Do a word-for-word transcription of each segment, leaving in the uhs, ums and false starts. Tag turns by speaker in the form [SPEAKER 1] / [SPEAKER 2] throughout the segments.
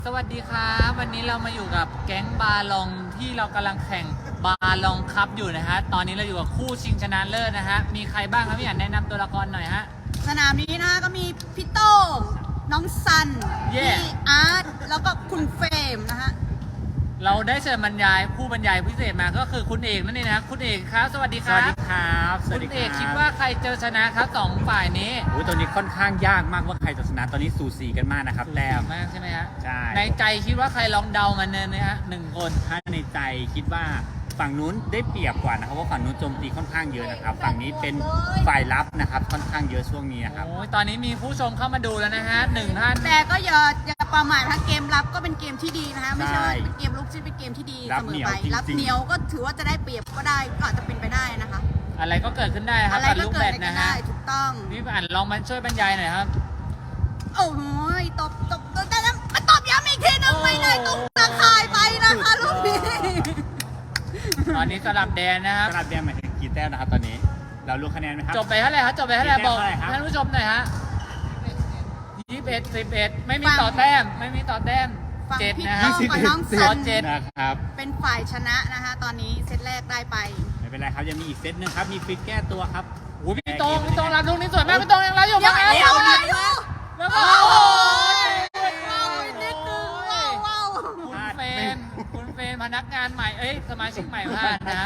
[SPEAKER 1] สวัสดีครับวันนี้เรามาอยู่กับแก๊งบาลองที่เรากำลังแข่งบาลองคัพอยู่นะฮะตอนนี้เราอยู่กับคู่ชิงชนะเลิศนะฮะมีใครบ้างครับพี่อันแนะนำตัวละครหน่อยฮะ
[SPEAKER 2] สนามนี้นะคะก็มีพี่โต้งน้องซัน
[SPEAKER 1] Yeah
[SPEAKER 2] พี่อาร์ตแล้วก็คุณเฟรมนะฮะ
[SPEAKER 1] เราได้เชิญบรรยายผู้บรรยายพิเศษมาก็คือคุณเอกนั่นเองนะคุณเอกครับสวัสดีครับ
[SPEAKER 3] สวัสดีครับสวั
[SPEAKER 1] คุ
[SPEAKER 3] ส
[SPEAKER 1] ณ
[SPEAKER 3] ดี
[SPEAKER 1] เอก
[SPEAKER 3] รับ
[SPEAKER 1] คิดว่าใครเจอชนะครับสองฝ่ายนี้
[SPEAKER 3] โอ้ยตัวนี้ค่อนข้างยากมากว่าใครจะชนะตอนนี้สูสีกันมากนะครับแต้ม
[SPEAKER 1] มากใช่ไหมฮะ
[SPEAKER 3] ใช่
[SPEAKER 1] ในใจคิดว่าใครลองเดามันเนี่ยนะฮะหนึ่งคน
[SPEAKER 3] ถ้าในใจคิดว่าฝั่งนู้นได้เปรียบกว่านะครับเพราะฝั่งนู้นโจมตีค่อนข้างเยอะนะครับฝั่งนี้เป็นฝ่ายรับนะครับค่อนข้างเยอะช่วงนี้นะครับ
[SPEAKER 1] โอ้ยตอนนี้มีผู้ชมเข้ามาดูแล้วนะฮะหนึ่งท่าน
[SPEAKER 2] แต่ก็อย่าอย่าประมาทนะเกมรับก็เป็นเกมที่ดีนะคะไม่ใช่ว่าเป็นเกมลุกที่เป็นเกมที่ดี
[SPEAKER 3] รั
[SPEAKER 2] เส
[SPEAKER 3] บ
[SPEAKER 2] ม
[SPEAKER 3] เหนี
[SPEAKER 2] อ
[SPEAKER 3] ยว
[SPEAKER 2] ไป
[SPEAKER 3] จริงๆ
[SPEAKER 2] รับเหนียวก็ถือว่าจะได้เปรียบก็ได้ก็อาจจะเป็นไปได้นะคะ
[SPEAKER 1] อะไรก็เกิดขึ้นได้ครับ
[SPEAKER 2] อะไร
[SPEAKER 1] กับ
[SPEAKER 2] ก็
[SPEAKER 1] ลูก
[SPEAKER 2] เกิ
[SPEAKER 1] แบ
[SPEAKER 2] ด
[SPEAKER 1] ด
[SPEAKER 2] ได้
[SPEAKER 1] นะ
[SPEAKER 2] ได้
[SPEAKER 1] ฮะ
[SPEAKER 2] ถูกต้อง
[SPEAKER 1] พี่อันลองมาช่วยบรรยายหน่อยครับ
[SPEAKER 2] โอ้โหตบตบตบได้แล้วมาตบย้ำอีกทีนึงไม่ได้ตุ้งตะคายไปนะคะลูกนี้
[SPEAKER 1] ตอนนี้สลับแดนนะครับ
[SPEAKER 3] สลับแดงหมายถึงกี่แต้มนะครับตอนนี้เรารู้คะแนนไหมครับ
[SPEAKER 1] จบไปเท่าไหร่ครับจบไปเท่าไหร่
[SPEAKER 3] กี่แต้ม
[SPEAKER 1] บอก
[SPEAKER 3] เท่าไหร่ครับ
[SPEAKER 1] ท่านผู้ชมหน่อยฮะยี่สิบเอ็ดสิบเอ็ดไม่มีต่อแต้มไม่มีต่อแต้ม
[SPEAKER 2] ฝั่ง
[SPEAKER 1] เจ็ด
[SPEAKER 2] พี่
[SPEAKER 1] นะ
[SPEAKER 2] โต้
[SPEAKER 1] ฮะ
[SPEAKER 2] งกับน้อง
[SPEAKER 1] ต่
[SPEAKER 2] ซั
[SPEAKER 1] อน เจ็ด
[SPEAKER 3] นะครับ
[SPEAKER 2] เป็นฝ่ายชนะนะคะตอนนี้เซตแรกได้ไป
[SPEAKER 3] ไม่เป็นไรครับยังมีอีกเซตหนึ่งครับมีฟิตแก้ตัวครับ
[SPEAKER 1] โอ้ยพี่โตงพี่โตงรับลูกนี้สวยมากพี่โตงยังรับอยู่
[SPEAKER 2] เดี๋ยว
[SPEAKER 1] มั้ง
[SPEAKER 2] เดี๋ยวเดี๋ยวเดี๋ยว
[SPEAKER 1] แล้วก็
[SPEAKER 2] โอ้
[SPEAKER 1] โอ้
[SPEAKER 2] โหว้าวนิดนึงว้าวว้าว
[SPEAKER 1] คุณเฟนคุณเฟนพนักงานใหม่เอ้ยสมาชิกใหม่พลาดนะฮะ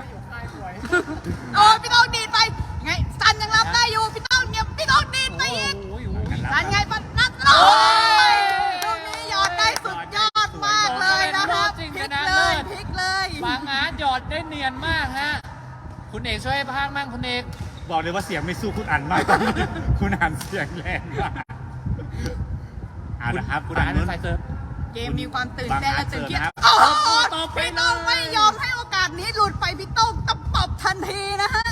[SPEAKER 2] โอ้พี่ต้องดีดไปไงซันยังรับได้อยู่พี่ต้องเนี่ยพี่ต้องดีดไปอีก
[SPEAKER 1] โอ้ยโอ้ย
[SPEAKER 2] ซันไงปัดนัดโอ้ยลูกนี้หยอดได้สุดยอดมากเลยนะคะพลิกเลยพลิกเลย
[SPEAKER 1] บางอาร์ตหยอดได้เนียนมากฮะคุณเอกช่วยพากย์มั่งคุณเอก
[SPEAKER 3] บอกเลยว่าเสียงไม่สู้คุณอันมากตอนนี้คุณอันเสียงแรงมากเอาละครับ
[SPEAKER 1] คุณ
[SPEAKER 3] ฝั่
[SPEAKER 1] อ่าง น
[SPEAKER 3] นู้น
[SPEAKER 1] ไฟเซิร์ฟ
[SPEAKER 2] เกมมีความตื่นเต้นและตื่นเต้น
[SPEAKER 3] บางอาร์ต
[SPEAKER 2] โอ้โห
[SPEAKER 1] ตบไป
[SPEAKER 2] พี่ต้องไม่ยอมให้โอกาสนี้หลุดไปพี่ต้องตบปบทันทีนะฮะ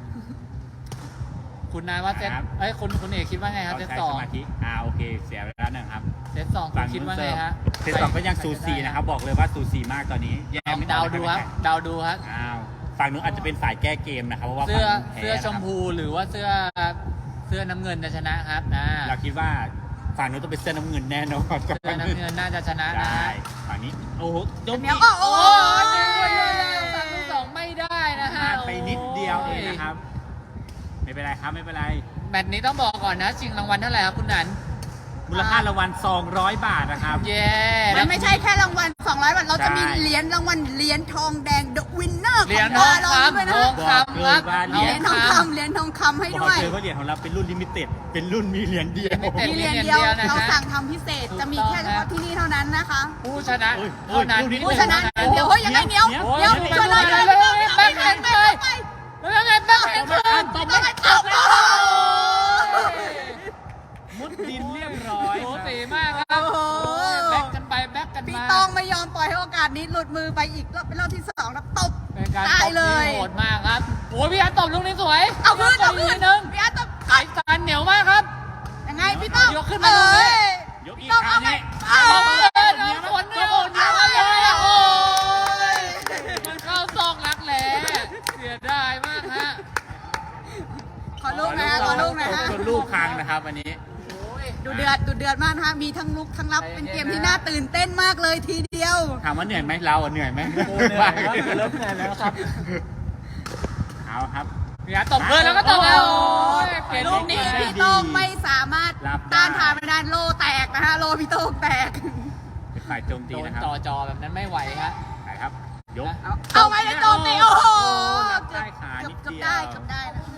[SPEAKER 1] คุณนายว่าเซตเอ้ยคุณคุณเอกคิดว่าไงครับ
[SPEAKER 3] เขา
[SPEAKER 1] เซต
[SPEAKER 3] ใช้
[SPEAKER 1] สอง
[SPEAKER 3] สมาธิอ่าโอเคเสียเวลาหนึ่งครับ
[SPEAKER 1] เซตสองคุณคิดว่าไงฮะ
[SPEAKER 3] เซตสองก็ยังสูสีนะครับบอกเลยว่าสูสีมากตอนนี้แย่
[SPEAKER 1] ลอง
[SPEAKER 3] ไม่
[SPEAKER 1] เดาดูครับเดาดูครับ
[SPEAKER 3] อ้าวฝั่งนู้นอาจจะเป็นฝ่ายแก้เกมนะครับเพราะว่า
[SPEAKER 1] เสื้อ
[SPEAKER 3] ฝั่งนู้นแพ้
[SPEAKER 1] เสื้อชมพูหรือว่าเสื้อเสื้อน้ำเงินจะชนะครับนะ
[SPEAKER 3] เราคิดว่าฝั่งนู้นต้องเป็นเสื้อน้ำเงินแน่นอน
[SPEAKER 1] เสื้อน้ำเงินน่าจะชนะนะ
[SPEAKER 3] ได้
[SPEAKER 1] ฮะ
[SPEAKER 3] ฝั่งนี้โอ้โหยก
[SPEAKER 2] เดี๋ยว
[SPEAKER 3] นี้
[SPEAKER 2] โอ้โห
[SPEAKER 1] โอ้ยสามสองไม่ได้นะฮะ
[SPEAKER 3] พลาดไปนิดเดียวเองนะครับ ไม่เป็นไรครับไม่เป็นไร
[SPEAKER 1] แมตช์นี้ต้องบอกก่อนนะชิงรางวัลเท่าไหร่ครับคุณนัน
[SPEAKER 3] มูลค่ารางวัลสองร้อยบาทนะครับ
[SPEAKER 1] เย้
[SPEAKER 2] มันไม่ใช่แค่รางวัลสองร้อยบาทเราจะมี
[SPEAKER 3] ใช่
[SPEAKER 2] เหรียญรางวัลเหรียญทองแดง The Winner
[SPEAKER 1] เหรียญ
[SPEAKER 2] ข
[SPEAKER 1] ท
[SPEAKER 2] อ
[SPEAKER 1] อง
[SPEAKER 2] งบาลองด้วย
[SPEAKER 1] คำท
[SPEAKER 2] นะ
[SPEAKER 1] องคำครับ
[SPEAKER 3] บอกเลยว่า
[SPEAKER 2] เหรียญทองคำเหรียญทองคำให้
[SPEAKER 3] บอ
[SPEAKER 2] ด้
[SPEAKER 3] ก
[SPEAKER 2] วย
[SPEAKER 3] เลยว่าเหรียญของเราเป็นรุ่นลิมิเต็ดเป็นรุ่นมีเหรียญเดียว
[SPEAKER 1] Limited
[SPEAKER 2] มีเหรียญเดียวเราสั่งทำพิเศษจะมีแค่เฉพาะที่นี่เท่านั้นนะคะ
[SPEAKER 1] ผู้ชนะ
[SPEAKER 3] โอ้ย
[SPEAKER 1] เท่านั้น
[SPEAKER 3] โอ้ย
[SPEAKER 2] ผู้ชนะเดี๋ยวเฮ้ยยังไงเหนียว
[SPEAKER 3] เหนียว
[SPEAKER 2] เหนียว
[SPEAKER 3] เหนียว
[SPEAKER 2] ช่วยเลย
[SPEAKER 1] เหนี
[SPEAKER 2] ช่
[SPEAKER 1] ยว
[SPEAKER 2] วยเลย
[SPEAKER 1] แบ็คแฮนด์ไป แล้วไงแบ็คแฮนด์คืน
[SPEAKER 3] ตบ
[SPEAKER 2] ต้องให้ตบ
[SPEAKER 3] มุดดินเรียบร้อย
[SPEAKER 1] โอ้
[SPEAKER 3] ครับ
[SPEAKER 1] สีมากครับ
[SPEAKER 2] โอ้โห
[SPEAKER 1] แบ็คกันไปแบ็คกัน
[SPEAKER 2] พี่
[SPEAKER 1] มา
[SPEAKER 2] ตองไม่ยอมปล่อยให้โอกาสนี้หลุดมือไปอีกรอบเป็นรอบที่สองแล้วตบ
[SPEAKER 1] เป็นการ
[SPEAKER 2] ได้
[SPEAKER 1] ตบ
[SPEAKER 2] เล
[SPEAKER 1] ที่
[SPEAKER 2] ย
[SPEAKER 1] โหดมากครับโอ้ยพี่อาร์ตตบลูกนี้สวย
[SPEAKER 2] เอาคืนเอาคื
[SPEAKER 1] พี่
[SPEAKER 2] น
[SPEAKER 1] ร์ตตบกทีนึง
[SPEAKER 2] พี่อาร์ตตบ
[SPEAKER 1] ไอ้จานเหนียวมากครับ
[SPEAKER 2] ยังไงพี่ต้อง
[SPEAKER 1] ยกขึ้นมาลูกนี้
[SPEAKER 2] เอ้ย
[SPEAKER 3] ยกอีก
[SPEAKER 2] พี่ต้อง
[SPEAKER 3] ครั้
[SPEAKER 2] เอา
[SPEAKER 3] ง
[SPEAKER 2] ไป
[SPEAKER 3] นี้
[SPEAKER 2] เอา
[SPEAKER 1] เอาเกินเอาฝนเนี่ยโหดเยอะเลยอะโอ้ยมันเข้าซอกรักแหล่เสียดายมากฮะ
[SPEAKER 2] ขอลูกนะฮะขอลูกนะฮะ
[SPEAKER 3] จนลูกพังนะครับวันนี้
[SPEAKER 1] โอ้ย
[SPEAKER 2] ดูเดือดดูเดือดมากนะคะมีทั้งลุกทั้งรับ
[SPEAKER 1] ใจเย็น
[SPEAKER 2] เป็นเกมที่น่าตื่นเต้นมากเลยทีเดียว
[SPEAKER 3] ถามว่าเหนื่อยไหมเราอะเหนื่อยไหม
[SPEAKER 1] โอ้เหนื่อยครับเริ่มเหนื่อยแล้วครับ
[SPEAKER 3] เอาครับ
[SPEAKER 1] พี่อาร์ตตบเกินแล้วก็ตบแล้วโอ้ยเปลี่ยน
[SPEAKER 2] ลูกนี้พี่โต้งไม่สามารถ
[SPEAKER 3] รับได้
[SPEAKER 2] ต้านทานไม่ได้โลแตกนะฮะโลพี่โต้งแตก
[SPEAKER 3] เป็นฝ่ายโจมตี
[SPEAKER 1] โดน
[SPEAKER 3] นะครับ
[SPEAKER 1] ต่อจอแบบนั้นไม่ไหวฮะ
[SPEAKER 3] ไปครับ ยก
[SPEAKER 2] เอาเอาไงเลยโจมตีโอ้โห
[SPEAKER 3] รับใต้ขา
[SPEAKER 2] เกือบ
[SPEAKER 3] นิด
[SPEAKER 2] เกือบ
[SPEAKER 3] เดียว
[SPEAKER 2] ได้เกือบได้นะ